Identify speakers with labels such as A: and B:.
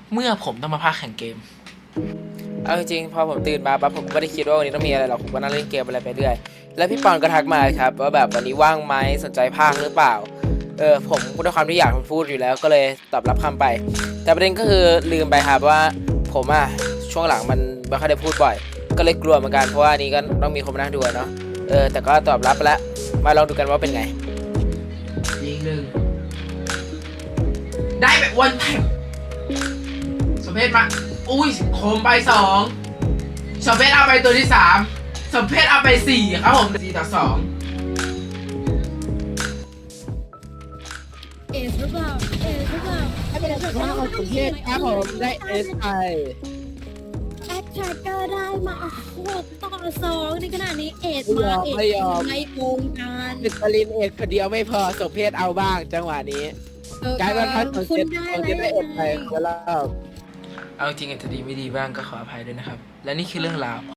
A: เมื่อผมต้องมาพากย์แข่งเกม
B: เอาจริงๆพอผมตื่นมาปั๊บผมก็ไม่ได้คิดว่าวันนี้ต้องมีอะไรหรอกผมก็นั่งเล่นเกมอะไรไปเรื่อยแล้วพี่ปอนก็ทักมาครับว่าแบบวันนี้ว่างไหมสนใจพากย์หรือเปล่าผมด้วยความที่อยากพูดอยู่แล้วก็เลยตอบรับคำไปแต่ประเด็นก็คือลืมไปครับว่าผมช่วงหลังมันไม่ค่อยได้พูดบ่อยก็เลยกลัวเหมือนกันเพราะว่านี้ก็ต้องมีคนมานั่งดูเนาะแต่ก็ตอบรับไปแล้วมาลองดูกันว่าเป็นไง
A: ยิงหนึ่งได้แบบวันแท็บสมเพชมาอุ้ยโคมไปสองสมเพชเอาไปตัวที่3สมเพชเอาไป4ครับผม4-2
C: เอสหรือเปล่าเอสหรือเปล่า
D: ถ้าเป็นสุภาพของกรุงเทพครับผมได้เอสไอ
C: แอคแทรกเกอร์ได้มา6-2ในขณะนี้เอสมาเอสไม่โกงกัน
D: ติดตลินเอสคนเดียวไม่พอสมเพศเอาบ้างจังหวะนี้กลายเป็นพัดของ
C: คุณ
D: เจ็ด
C: ได้
D: ของ
C: เล
D: เจ็ดได้เอสไอ
C: ย
D: แล้ว
A: เอาจริงอาจจะดีไม่ดีบ้างก็ขออภัยด้วยนะครับ และนี่คือเรื่องราว